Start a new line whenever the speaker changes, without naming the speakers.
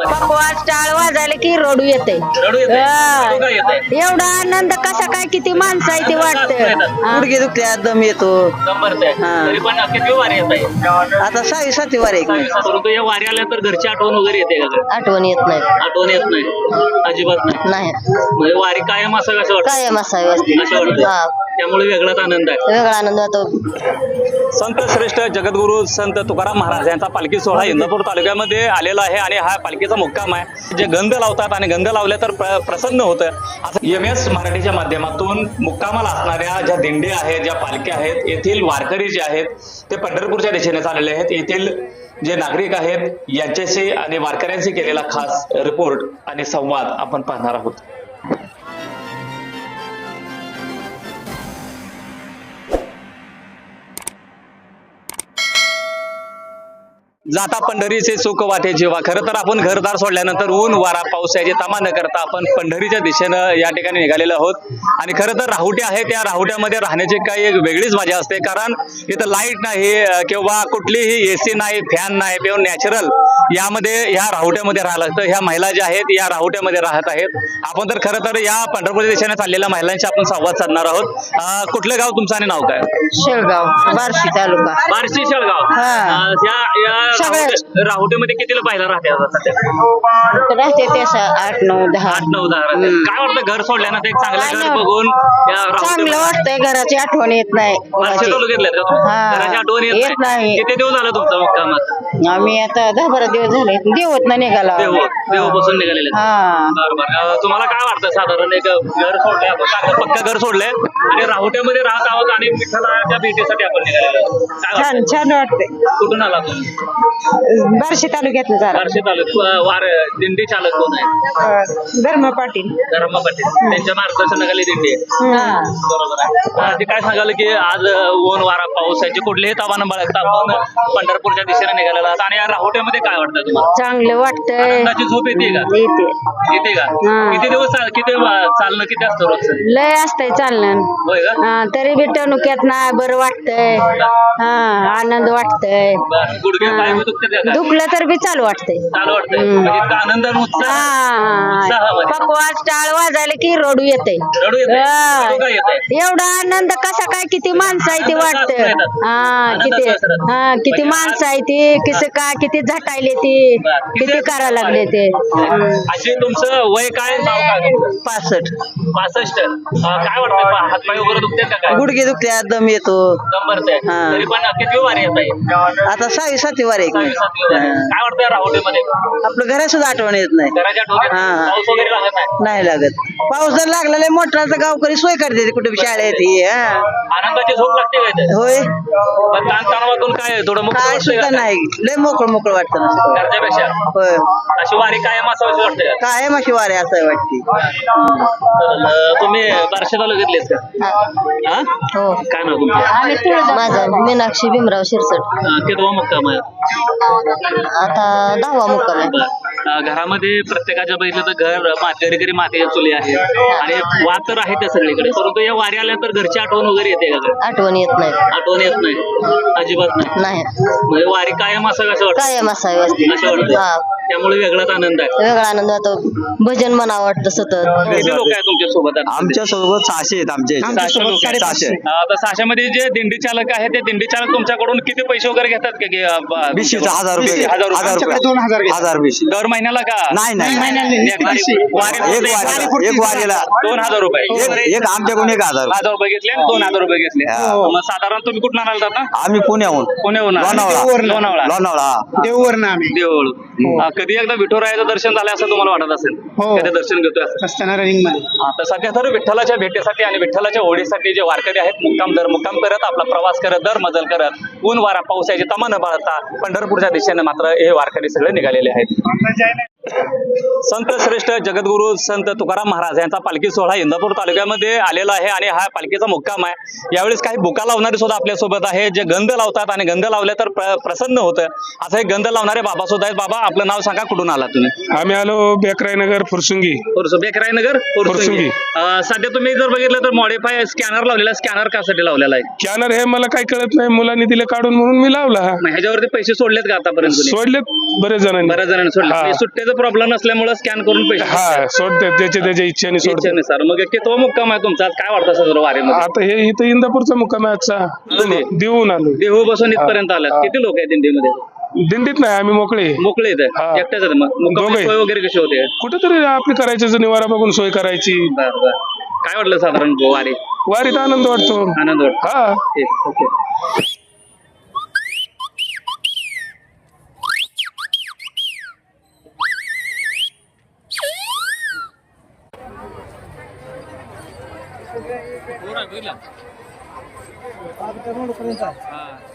पकवास टाळ वाजायला की रडू येते. एवढा आनंद कसा काय, किती माणसं आहे ते वाटतं.
गुडघे दुखत्या, दम येतो. आता 6वी-7वी वारी आहे.
परंतु या वारी आल्या तर घरची आठवण वगैरे येते का?
आठवण येत नाही.
आठवण येत नाही, अजिबात नाही.
नाही
म्हणजे वारी कायम असं कसं वाटतं?
कायम असावी असते.
असं वाटतं. त्यामुळे वेगळाच आनंद आहे.
वेगळा आनंद होतो.
संत श्रेष्ठ जगद्गुरु संत तुकाराम महाराज यांचा पालखी सोहळा इंदापूर तालुक्यामध्ये आलेला आहे आणि हा पालखीचा मुक्काम आहे. जे गंध लावतात आणि गंध लावले तर प्रसन्न होतं. असं MS मराठीच्या माध्यमातून मुक्कामाला असणाऱ्या ज्या दिंडी आहेत, ज्या पालख्या आहेत, येथील वारकरी जे आहेत ते पंढरपूरच्या दिशेने चाललेले आहेत. येथील जे नागरिक आहेत यांच्याशी आणि वारकऱ्यांशी केलेला खास रिपोर्ट आणि संवाद आपण पाहणार आहोत. जाता पंढरीचे सुख वाटे जेव्हा. खरं तर आपण घरदार सोडल्यानंतर ऊन वारा पाऊस याची तमा न करता आपण पंढरीच्या दिशेनं या ठिकाणी निघालेलो आहोत. आणि खरं तर राहुटे आहे, त्या राहुट्यामध्ये राहण्याची काही एक वेगळीच मजा असते. कारण इथं लाईट नाही किंवा कुठलीही AC नाही, फॅन नाही, किंवा नॅचरल यामध्ये ह्या राहुट्यामध्ये राहायला लागतं. ह्या महिला ज्या आहेत या राहुट्यामध्ये राहत आहेत. आपण तर खरं तर या पंढरपूरच्या दिशेने चाललेल्या महिलांशी आपण संवाद साधणार आहोत. कुठलं गाव तुमचं आणि नाव काय?
शेळगाव, बार्शी तालुका.
बार्शी शेळगाव. या राहुटीमध्ये कितीला पाहिला राहते आता सध्या?
राहते ते 8, 9, 10.
8, 9, 10. काय वाटतं घर सोडल्यानंतर एक चांगलं घर बघून
चांगलं वाटतंय. घराची आठवण येत नाही.
बार्शी तालुक्यातले का तुम्ही? घराची आठवण येत नाही. किती दिवस झाला तुमचा मुक्कामात?
आम्ही आता 10-12 दिवस झाले. देवत ना निघाला.
देवापासून निघालेले. बरोबर. तुम्हाला काय वाटतं साधारण एक घर सोडलंय आपण, पक्का घर सोडलंय आणि राहुट्यामध्ये राहत आहोत आणि विठ्ठलाच्या भेटीसाठी आपण निघालेलो.
छान छान वाटते.
कुठून आला तुम्ही?
बार्शी तालुक्यातलं झालं.
बार्शी तालुक्यात दिंडी चालक कोण आहे?
धर्म पाटील.
धर्म पाटील. त्यांच्या मार्गदर्शनाखाली दिंडी आहे. बरोबर आहे. ते काय सांगाल की आज ऊन वारा पाऊस याची कुठलीही तावानं बाळगता आपण पंढरपूरच्या दिशेने निघालेला आहात. आणि या राहुट्यामध्ये काय वाटतं तुम्हाला?
चांगलं वाटतंय.
आनंदाची झोप येते का? येते का? किती दिवस चालणं किती असतं रोज?
लय असतंय चालणं.
होय का?
तरी बी टणुक्यात ना बरं वाटतंय. आनंद वाटतंय.
गुडघे पाय दुखतात का?
दुखलं तर बी चालू वाटतंय.
चालू वाटतंय. म्हणजे इतका आनंद आणि उत्साह.
पकवास टाळ वाजायला की रडू येते.
रडू येते.
एवढा आनंद कसा काय, किती माणसं आहे ते वाटतं. किती माणसं आहे ती, किती झटायले ती, किती करा लागले ते.
अशी तुमचं वय काय, नाव काय?
65.
65. काय वाटतं, हातपाय वगैरे दुखतात का? काय
गुडघे दुखत्या, दम येतो.
दम भरते. तरी पण किती वारी येत आहे?
आता 6वी-7वी वारी आहे.
काय वाटतं राहुटीमध्ये?
आपलं घरात सुद्धा आठवण येत नाही.
घराच्या आठवणीत पाऊस वगैरे लागत
नाही लागत. पाऊस जर लागलेला मोठा तर गावकरी सोय करते कुठे शाळेत.
आनंदाची झोप लागते काय ते?
होय.
पण ताणतणावातून काय थोडं
काय सुद्धा नाही. लय मोकळं वाटतं ना
घरच्यापेक्षा.
होय.
अशी वारी कायम असावीशी वाटते.
कायम अशी वारी असं वाटते.
तुम्ही बार्शी तालुक्यातलेच का?
हो.
काय नाव तुमचं?
माझं मीनाक्षी भीमराव शिरसट.
कितवा मुक्काम आहे?
आता 10वा मुक्काम आहे.
घरामध्ये प्रत्येकाच्या बघितलं तर घर घरी मातीच्या चुली आहे आणि वाद तर आहे त्या सगळीकडे. परंतु या वारी आल्यानंतर घरची आठवण वगैरे येते का?
आठवण येत नाही.
आठवण येत नाही, अजिबात नाही. म्हणजे वारी कायम असं कसं वाटतं?
कायम असावी असते.
असं वाटतं. त्यामुळे वेगळाच आनंद आहे.
वेगळा आनंद होतो. भजन म्हणा वाटतं सतत.
किती लोक आहेत तुमच्या सोबत?
आमच्या सोबत 600 आहेत. आमचे
600 लोक आहेत.
600.
आता 600 मध्ये जे दिंडी चालक आहे ते दिंडी चालक तुमच्याकडून किती पैसे वगैरे घेतात का?
1000 रुपये. 1000 रुपये
दर महिन्याला का?
नाही.
एक
वारीला
2000 रुपये.
एक आमच्याकडून 1000
रुपये घेतले, 2000 रुपये घेतले. मग साधारण तुम्ही कुठून आणाल आता?
आम्ही पुण्याहून. लोणावळा.
देऊळ. कधी एकदा विठुरायाचं दर्शन झालं असं तुम्हाला वाटत असेल? कधी दर्शन घेतोय रनिंग मध्ये. आता सध्या तर विठ्ठलाच्या भेटीसाठी आणि विठ्ठलाच्या ओढीसाठी जे वारकरी आहेत मुक्काम करत आपला प्रवास करत दर मजल करत ऊन वारा पावसाची तमा न बाळगता पंढरपूरच्या दिशेने मात्र हे वारकरी सगळे निघालेले आहेत. संत श्रेष्ठ जगद्गुरु संत तुकाराम महाराज यांचा पालखी सोहळा इंदापूर तालुक्यामध्ये आलेला आहे आणि हा पालखीचा मुक्काम आहे. यावेळेस काही बुका लावणारे सुद्धा आपल्या सोबत आहे, जे गंध लावतात आणि गंध लावले तर प्रसन्न होतं. असं एक गंध लावणारे बाबा सुद्धा आहेत. बाबा, आपलं नाव सांगा, कुठून आला तुम्ही?
आम्ही आलो बेकराईनगर फुरसुंगी.
बेकराईनगर फुरसुंगी. सध्या तुम्ही जर बघितलं तर मॉडिफाय स्कॅनर लावलेला. स्कॅनर कासाठी लावलेला आहे?
स्कॅनर हे मला काही कळत नाही, मुलांनी दिले काढून म्हणून मी लावला.
ह्याच्यावरती पैसे सोडलेत का आतापर्यंत?
सोडलेत बरेच जणांनी.
सोडले. सुट्ट्याचं प्रॉब्लेम नसल्यामुळे स्कॅन करून पैसे
हा सोडते त्याच्या इच्छेने सोडते
इच्छेनुसार मग कितवा मुक्काम आहे तुमचा आज काय वाटतं सदर वारीमध्ये
आता हे इथं इंदापूरचा मुक्काम आहे आजचा देऊन आलो
देहू बसून इथपर्यंत आलात किती लोक आहेत दिंडीमध्ये
दिंडीत नाही आम्ही मोकळे
मोकळे येत
हा.
एकट्याच आहेत मग मुक्कामाची
दोघे.
सोय वगैरे कशी होते
कुठेतरी आपली करायचं निवारा बघून सोय करायची
बरं बरं काय वाटलं साधारण वारी
वारीत आनंद वाटतो
आनंद वाटतो
हा
ठीक, ओके
रोड पर्यंत